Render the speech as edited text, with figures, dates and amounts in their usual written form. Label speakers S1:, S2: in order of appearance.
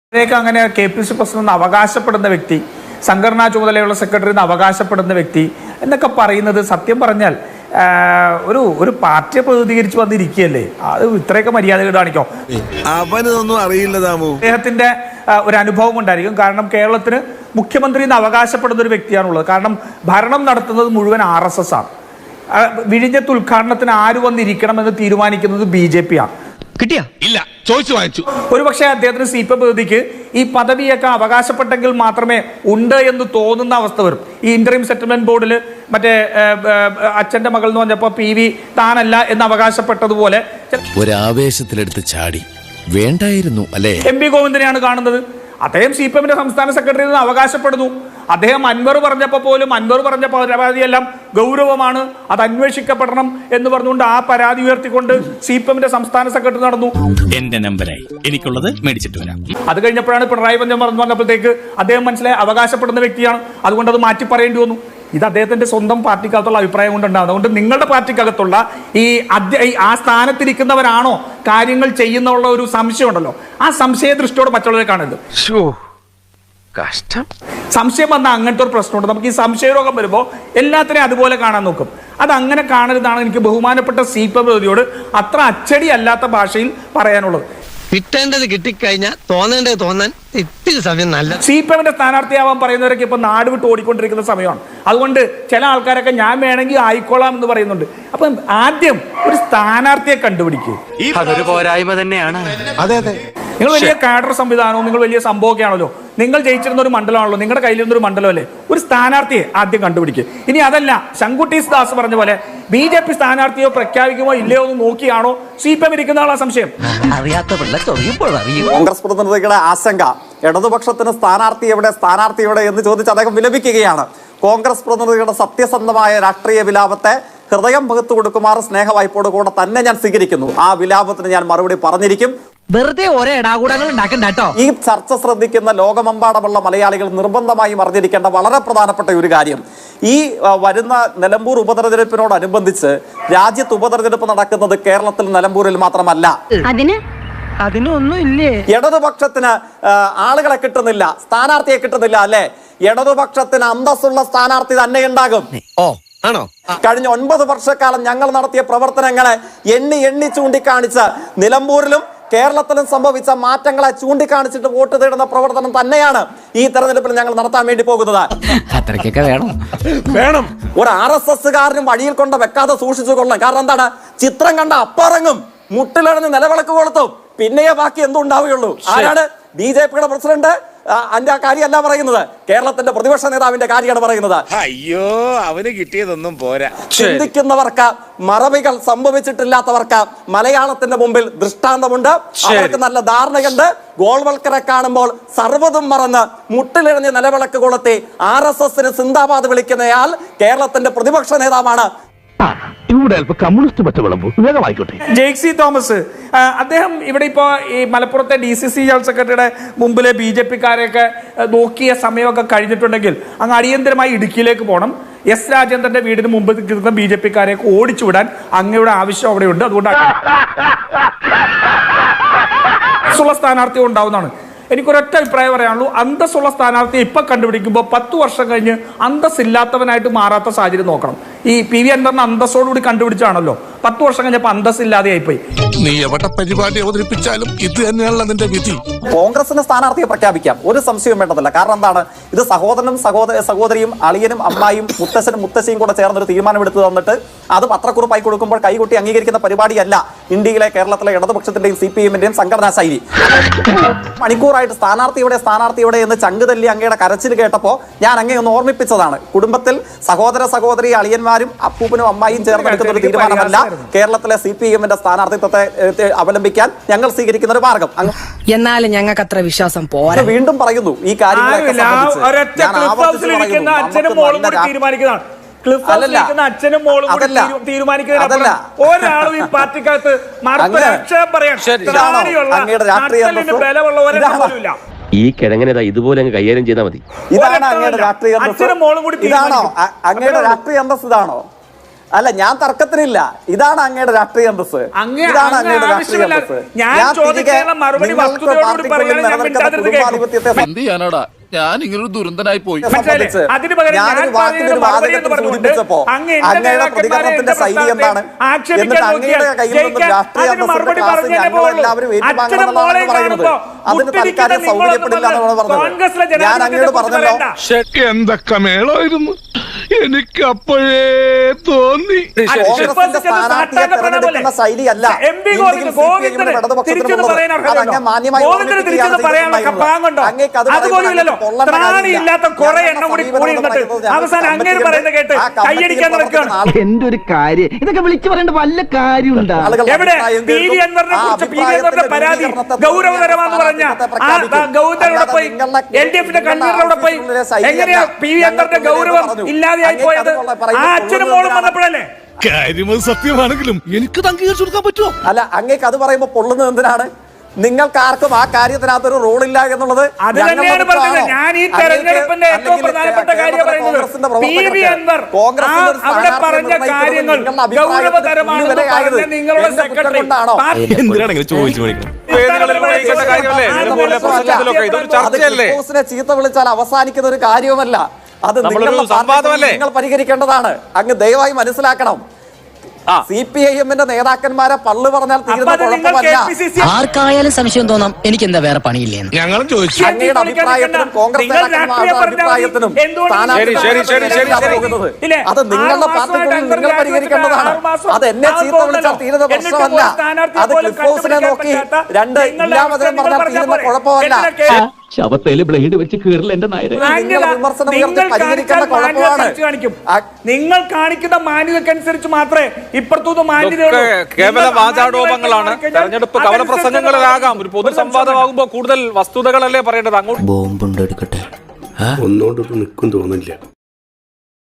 S1: അങ്ങനെ K P C president അവകാശപ്പെടുന്ന വ്യക്തി, സംഘടനാ ചുമതലയുള്ള സെക്രട്ടറി എന്ന് അവകാശപ്പെടുന്ന വ്യക്തി എന്നൊക്കെ പറയുന്നത് സത്യം പറഞ്ഞാൽ ഒരു പാർട്ടിയെ പ്രതിനിധീകരിച്ച് വന്നിരിക്കുകയല്ലേ. അത് ഇത്രയൊക്കെ മര്യാദകൾ കാണിക്കോ?
S2: അവനൊന്നും അറിയില്ല.
S1: അദ്ദേഹത്തിന്റെ ഒരു അനുഭവം ഉണ്ടായിരിക്കും. കാരണം കേരളത്തിന് മുഖ്യമന്ത്രി എന്ന് അവകാശപ്പെടുന്ന ഒരു വ്യക്തിയാണുള്ളത്. കാരണം ഭരണം നടത്തുന്നത് മുഴുവൻ RSS ആണ്. വിഴിഞ്ഞത്ത് ഉദ്ഘാടനത്തിന് ആര് വന്നിരിക്കണമെന്ന് തീരുമാനിക്കുന്നത് BJP ആണ്.
S3: കിട്ടിയാ ഇല്ല, ചോദിച്ചു വാങ്ങിച്ചു.
S1: ഒരുപക്ഷെ അദ്ദേഹത്തിന് CPM പ്രതിനിധിക്ക് ഈ പദവിയൊക്കെ അവകാശപ്പെട്ടെങ്കിൽ മാത്രമേ ഉണ്ട് എന്ന് തോന്നുന്ന അവസ്ഥ വരും. ഈ ഇന്ററിം സെറ്റിൽമെന്റ് ബോർഡിൽ മറ്റേ അച്ഛന്റെ മകൾ എന്ന് പറഞ്ഞപ്പോ PV താനല്ല എന്ന് അവകാശപ്പെട്ടതുപോലെ
S2: ഒരാവേശത്തിലെടുത്ത് ചാടി വേണ്ടായിരുന്നു അല്ലേ.
S1: MP ഗോവിന്ദനെയാണ് കാണുന്നത്. അദ്ദേഹം CPMന്റെ സംസ്ഥാന സെക്രട്ടറി എന്ന് അവകാശപ്പെടുന്നു. അദ്ദേഹം അൻവർ പറഞ്ഞപ്പോൾ പോലും അൻവർ പറഞ്ഞ പരാതിയെല്ലാം ഗൗരവമാണ്, അത് അന്വേഷിക്കപ്പെടണം എന്ന് പറഞ്ഞുകൊണ്ട് ആ പരാതി ഉയർത്തിക്കൊണ്ട് CPMന്റെ സംസ്ഥാന സെക്രട്ടറി നടന്നു.
S3: എന്റെ നമ്പരായി എനിക്കുള്ളത് മേടിച്ചിട്ട് വരാം.
S1: അത് കഴിഞ്ഞപ്പോഴാണ് പിണറായി വിജയൻ പറഞ്ഞപ്പോഴത്തേക്ക് അദ്ദേഹം മനസ്സിലായി അവകാശപ്പെടുന്ന വ്യക്തിയാണ്, അതുകൊണ്ട് അത് മാറ്റി പറയേണ്ടി വന്നു. ഇത് അദ്ദേഹത്തിന്റെ സ്വന്തം പാർട്ടിക്കകത്തുള്ള അഭിപ്രായം കൊണ്ടുണ്ടാകും. അതുകൊണ്ട് നിങ്ങളുടെ പാർട്ടിക്കകത്തുള്ള ആ സ്ഥാനത്തിരിക്കുന്നവരാണോ കാര്യങ്ങൾ ചെയ്യുന്നുള്ള ഒരു സംശയം ഉണ്ടല്ലോ, ആ സംശയ ദൃഷ്ടിയോടെ മറ്റുള്ളവരെ കാണരുത്.
S2: കഷ്ടം.
S1: സംശയം വന്നാൽ അങ്ങനത്തെ ഒരു പ്രശ്നമുണ്ട്. നമുക്ക് ഈ സംശയരോഗം വരുമ്പോൾ എല്ലാത്തിനെയും അതുപോലെ കാണാൻ നോക്കും. അത് അങ്ങനെ കാണരുതാണ് എനിക്ക് ബഹുമാനപ്പെട്ട CPM പ്രതിനിധിയോട് അത്ര അച്ചടി അല്ലാത്ത ഭാഷയിൽ പറയാനുള്ളത്.
S4: കിട്ടേണ്ടത് കിട്ടിക്കഴിഞ്ഞാൽ തോന്നേണ്ടത് തോന്നാൻ ഇത്തിരി സമയം നല്ല.
S1: CPMന്റെ സ്ഥാനാർത്ഥിയാവാൻ പറയുന്നവരൊക്കെ ഇപ്പൊ നാട് വിട്ട് ഓടിക്കൊണ്ടിരിക്കുന്ന സമയമാണ്. അതുകൊണ്ട് ചില ആൾക്കാരൊക്കെ ഞാൻ വേണമെങ്കിൽ ആയിക്കോളാം എന്ന് പറയുന്നുണ്ട്. അപ്പം ആദ്യം ഒരു സ്ഥാനാർത്ഥിയെ കണ്ടുപിടിക്കുക.
S4: അതൊരു പോരായ്മ തന്നെയാണ്.
S2: അതെ അതെ,
S1: നിങ്ങൾ വലിയ കാഡർ സംവിധാനവും നിങ്ങൾ വലിയ സംഭവമൊക്കെ ആണല്ലോ. നിങ്ങൾ ജയിച്ചിരുന്ന ഒരു മണ്ഡലമാണല്ലോ, നിങ്ങളുടെ കയ്യിലിരുന്നൊരു മണ്ഡലമല്ലേ. ഒരു സ്ഥാനാർത്ഥിയെ ആദ്യം കണ്ടുപിടിക്കുക. ഇനി അതല്ല, ശങ്കുട്ടി ദാസ് പറഞ്ഞ പോലെ BJP സ്ഥാനാർത്ഥിയോ പ്രഖ്യാപിക്കുമോ ഇല്ലയോ എന്ന് നോക്കിയാണോ CPM ഇരിക്കുന്ന ആളാ സംശയം.
S5: കോൺഗ്രസ് പ്രതിനിധികളുടെ ആശങ്ക ഇടതുപക്ഷത്തിന് സ്ഥാനാർത്ഥി എവിടെ എന്ന് ചോദിച്ച് അദ്ദേഹം വിലപിക്കുകയാണ്. കോൺഗ്രസ് പ്രതിനിധികളുടെ സത്യസന്ധമായ രാഷ്ട്രീയ വിലാപത്തെ ഹൃദയം പകുത്തു കൊടുക്കുമാർ സ്നേഹവായ്പോട് കൂടെ തന്നെ ഞാൻ സ്വീകരിക്കുന്നു. ആ വിലാപത്തിന് ഞാൻ മറുപടി പറഞ്ഞിരിക്കും.
S4: വെറുതെ ഓരോ ഇടാകൂടങ്ങൾ ഉണ്ടാക്കണ്ടോ.
S5: ഈ ചർച്ച ശ്രദ്ധിക്കുന്ന ലോകമെമ്പാടുമുള്ള മലയാളികൾ നിർബന്ധമായും അറിഞ്ഞിരിക്കേണ്ട വളരെ പ്രധാനപ്പെട്ട ഒരു കാര്യം, ഈ വരുന്ന നിലമ്പൂർ ഉപതെരഞ്ഞെടുപ്പിനോടനുബന്ധിച്ച് രാജ്യത്ത് ഉപതെരഞ്ഞെടുപ്പ് നടക്കുന്നത് കേരളത്തിൽ നിലമ്പൂരിൽ മാത്രമല്ല.
S4: അതിനൊന്നും ഇല്ലേ?
S5: ഇടതുപക്ഷത്തിന് ആളുകളെ കിട്ടുന്നില്ല, സ്ഥാനാർത്ഥിയെ കിട്ടുന്നില്ല അല്ലെ? ഇടതുപക്ഷത്തിന് അന്തസ്സുള്ള സ്ഥാനാർത്ഥി തന്നെ ഉണ്ടാകും.
S2: ആണോ?
S5: കഴിഞ്ഞ 9 വർഷക്കാലം ഞങ്ങൾ നടത്തിയ പ്രവർത്തനങ്ങളെ എണ്ണി ചൂണ്ടിക്കാണിച്ച് നിലമ്പൂരിലും കേരളത്തിലും സംഭവിച്ച മാറ്റങ്ങളെ ചൂണ്ടിക്കാണിച്ചിട്ട് വോട്ട് തേടുന്ന പ്രവർത്തനം തന്നെയാണ് ഈ തെരഞ്ഞെടുപ്പിൽ ഞങ്ങൾ നടത്താൻ വേണ്ടി പോകുന്നത്.
S4: അത്രയ്ക്കൊക്കെ
S2: വേണം.
S5: ഒരു RSSകാരനും വഴിയിൽ കൊണ്ട് വെക്കാതെ സൂക്ഷിച്ചു കൊള്ളണം. കാരണം എന്താണ്? ചിത്രം കണ്ട അപ്പറങ്ങും, മുട്ടിലടഞ്ഞ് നിലവിളക്ക് കൊളുത്തും, പിന്നെയേ ബാക്കി എന്തുണ്ടാവുകയുള്ളൂ. ആരാണ്? BJPയുടെ പ്രസിഡന്റ്. അതിന്റെ കാര്യമല്ല പറയുന്നത്, കേരളത്തിന്റെ പ്രതിപക്ഷ നേതാവിന്റെ കാര്യമാണ് പറയുന്നത്.
S2: അയ്യോ, അവന് കിട്ടിയതൊന്നും പോരാ.
S5: ചിന്തിക്കുന്നവർക്ക്, മറവികൾ സംഭവിച്ചിട്ടില്ലാത്തവർക്ക് മലയാളത്തിന്റെ മുമ്പിൽ ദൃഷ്ടാന്തമുണ്ട്. അവർക്ക് നല്ല ധാരണയുണ്ട്. ഗോൾവൽക്കറെ കാണുമ്പോൾ സർവ്വതും മറന്ന് മുട്ടിലിഴഞ്ഞ് നിലവിളക്ക് കൊളുത്തി RSSന് സിന്ദാബാദ് വിളിക്കുന്നയാൾ കേരളത്തിന്റെ പ്രതിപക്ഷ നേതാവാണ്.
S1: ജെയ്സി തോമസ് അദ്ദേഹം ഇവിടെ ഇപ്പോ ഈ മലപ്പുറത്തെ DCC ജനറൽ സെക്രട്ടറിയുടെ മുമ്പിലെ BJPക്കാരെയൊക്കെ നോക്കിയ സമയമൊക്കെ കഴിഞ്ഞിട്ടുണ്ടെങ്കിൽ അങ്ങ് അടിയന്തരമായി ഇടുക്കിയിലേക്ക് പോകണം. S രാജേന്ദ്രന്റെ വീടിന് മുമ്പ് കിട്ടുന്ന BJPക്കാരെയൊക്കെ ഓടിച്ചുവിടാൻ അങ്ങയുടെ ആവശ്യം അവിടെയുണ്ട്. അതുകൊണ്ട് അന്തസ്സുള്ള സ്ഥാനാർത്ഥി ഉണ്ടാവുന്നതാണ്. എനിക്കൊരൊറ്റ അഭിപ്രായം പറയാനുള്ളൂ. അന്തസ്സുള്ള സ്ഥാനാർത്ഥിയെ ഇപ്പൊ കണ്ടുപിടിക്കുമ്പോൾ 10 വർഷം കഴിഞ്ഞ് അന്തസ്സില്ലാത്തവനായിട്ട് മാറാത്ത സാഹചര്യം നോക്കണം. ഈ PV അൻവറിനെ അന്തസ്സോടുകൂടി കണ്ടുപിടിച്ചാണല്ലോ 10 വർഷം കഴിഞ്ഞപ്പോൾ അന്തസ്സില്ലാതെയായിപ്പോയി.
S2: നീ എവിടെ പരിപാടി അവതരിപ്പിച്ചാലും ഇത് തന്നെയാണല്ലോ നിന്റെ വിധി.
S5: കോൺഗ്രസിന് സ്ഥാനാർത്ഥിയെ പ്രഖ്യാപിക്കാം, ഒരു സംശയവും വേണ്ടതില്ല. കാരണം എന്താണ്? ഇത് സഹോദരനും സഹോദരിയും അളിയനും അമ്മായും മുത്തശ്ശനും മുത്തശ്ശിയും കൂടെ ചേർന്നൊരു തീരുമാനമെടുത്ത് തന്നിട്ട് അത് പത്രക്കുറിപ്പായി കൊടുക്കുമ്പോൾ കൈകൊട്ടി അംഗീകരിക്കുന്ന പരിപാടിയല്ല ഇന്ത്യയിലെ കേരളത്തിലെ ഇടതുപക്ഷത്തിന്റെയും CPMന്റെയും സംഘടനാ ശൈലി. മണിക്കൂറായിട്ട് സ്ഥാനാർത്ഥിയുടെ എന്ന് ചങ്കുതല്ലി അങ്ങയുടെ കരച്ചിൽ കേട്ടപ്പോൾ ഞാൻ അങ്ങയെ ഒന്ന് ഓർമ്മിപ്പിച്ചതാണ്. കുടുംബത്തിൽ സഹോദരി അളിയന്മാരും അപ്പൂപ്പനും അമ്മായിയും ചേർന്നെടുക്കുന്ന ഒരു തീരുമാനമല്ല കേരളത്തിലെ CPMന്റെ സ്ഥാനാർത്ഥിത്വത്തെ അവലംബിക്കാൻ ഞങ്ങൾ സ്വീകരിക്കുന്ന ഒരു മാർഗം.
S4: എന്നാലും ഞങ്ങൾക്ക് അത്ര വിശ്വാസം പോരാ.
S5: വീണ്ടും പറയുന്നു ഈ കാര്യങ്ങളൊക്കെ
S1: അച്ഛനും മോളും തീരുമാനിക്കുന്നതിനപ്പുറം ഒരാളും ഈ പാർട്ടിക്കകത്ത് ബലമുള്ളവരില്ല.
S6: ഈ കിഴങ്ങനേതാ ഇതുപോലെ അങ്ങ് കൈകാര്യം ചെയ്താൽ മതി.
S5: ഇതാണ് അങ്ങയുടെ രാഷ്ട്രീയ അന്തസ്സ്. ഇതാണോ അങ്ങയുടെ രാഷ്ട്രീയ അന്തസ്സ്? ഇതാണോ? അല്ല, ഞാൻ തർക്കത്തിനില്ല. ഇതാണ് അങ്ങയുടെ രാഷ്ട്രീയ അന്തസ്. ഇതാണ് അങ്ങയുടെ രാഷ്ട്രീയ അന്തസ്. ഞാൻ തിരികെ നിങ്ങൾക്ക് പാർട്ടിക്കുള്ളിൽ നിലനിൽക്കുന്ന കുടുംബാധിപത്യത്തെ
S2: എന്ത് ചെയ്യാനാടാ, ഞാൻ ഇങ്ങനൊരു ദുരന്തനായി പോയി.
S5: സംബന്ധിച്ച്
S1: അതിന് പകരം
S5: ഞാനൊരു
S1: ഞാൻ
S5: വാക്കിന്റെ വാചകത്തിൽ സൂചിപ്പിച്ചപ്പോ അങ്ങയുടെ പ്രതികരണത്തിന്റെ ശൈലി എന്താണ്? എന്നിട്ട് അങ്ങയുടെ കയ്യിൽ നിന്നും രാഷ്ട്രീയ അന്തസ്സിന്റെ ക്ലാസ് ഞങ്ങൾ എല്ലാവരും ഏറ്റുവാങ്ങണമെന്നാണ് പറയുന്നത്. അതിന് തൽക്കാലം സൗകര്യപ്പെടില്ല എന്നാണ് പറഞ്ഞത്. ഞാൻ അങ്ങയോട് പറഞ്ഞല്ലോ,
S2: എന്തൊക്കെ മേളായിരുന്നു, എനിക്ക് അപ്പോഴേ തോന്നി.
S5: കോൺഗ്രസിന്റെ സ്ഥാനാർത്ഥിയെ തെരഞ്ഞെടുക്കുന്ന ശൈലിയല്ല ഇടതുപക്ഷത്തിനുള്ളത്. അത് അങ്ങ് മാന്യമായി അങ്ങേക്ക് അത്
S7: എന്തൊരു കാര്യം ഇതൊക്കെ വിളിച്ചു പറയേണ്ട വല്ല കാര്യമുണ്ടാ?
S1: പരാതി ഗൗരവതരമാണെന്ന് പറഞ്ഞ ഗൗതമോടെ പോയി LDF-ന്റെ കൺവീനറോടെ പോയി എങ്ങനെയാ പി വി അൻവറിന്റെ ഗൗരവം ഇല്ലാതെയായി പോയത്? ആ അച്ഛനും മോളും വന്നപ്പോഴല്ലേ?
S2: കാര്യം സത്യമാണെങ്കിലും എനിക്ക് അംഗീകരിച്ചു കൊടുക്കാൻ പറ്റുമോ?
S5: അല്ല, അങ്ങേക്ക് അത് പറയുമ്പോ പൊള്ളുന്നത് എന്തിനാണ്? നിങ്ങൾക്ക് ആർക്കും ആ കാര്യത്തിനകത്തൊരു റോളില്ല എന്നുള്ളത്
S1: അത് തന്നെയാണ് പറഞ്ഞത്. ഞാൻ ഈ തെരഞ്ഞെടുപ്പിന്റെ ഏറ്റവും പ്രധാനപ്പെട്ട കാര്യം പറയുന്നത് പി വി അൻവർ അവിടെ പറഞ്ഞ കാര്യങ്ങൾ ഗൗരവതരമാണെന്ന് പറഞ്ഞ നിങ്ങളുടെ സെക്രട്ടറി
S5: ചീത്ത വിളിച്ചാൽ അവസാനിക്കുന്ന ഒരു കാര്യവുമല്ല. അത് നിങ്ങൾ പരിഹരിക്കേണ്ടതാണ്. അങ്ങ് ദയവായി മനസ്സിലാക്കണം. CPIM-ന്റെ നേതാക്കന്മാരെ പള്ളു പറഞ്ഞാൽ തീരുന്ന കുഴപ്പമല്ല.
S4: ആർക്കായാലും സംശയം തോന്നാം എനിക്ക് എന്താ വേറെ പണിയില്ലേന്ന്.
S2: ഞങ്ങളും ചോദിച്ചു.
S5: അങ്ങയുടെ അഭിപ്രായത്തിനും കോൺഗ്രസ് അഭിപ്രായത്തിനും അത് നിങ്ങളുടെ പാർട്ടിക്കുള്ളിൽ നിങ്ങൾ പരിഹരിക്കേണ്ടതാണ്. അത് എന്നെ ചീത്ത വിളിച്ചാൽ തീരുന്ന പ്രശ്നമല്ല. അത് ക്ലിഫ് ഹൗസിനെ നോക്കി രണ്ട് ഇല്ലാമതിനും പറഞ്ഞാൽ തീരുന്ന കുഴപ്പമല്ല.
S6: ശവത്തേല് ബ്ലേഡ് വെച്ച് കീറില്ല എന്റെ നായരെ.
S1: നിങ്ങൾ കാണിക്കുന്ന മാന്യതക്കനുസരിച്ച് മാത്രമേ ഇപ്പുറത്തുനിന്ന് മാന്യതയുള്ളൂ.
S8: കേവല വാചാടോപങ്ങളാണ്. തെരഞ്ഞെടുപ്പ് കവല പ്രസംഗങ്ങളിലാകാം. ഒരു പൊതു സംവാദമാകുമ്പോൾ കൂടുതൽ വസ്തുതകളല്ലേ പറയേണ്ടത്. അങ്ങോട്ട്
S9: ബോംബുണ്ട് എടുക്കട്ടെ, ഒന്നോട്ട് നിൽക്കും തോന്നില്ല.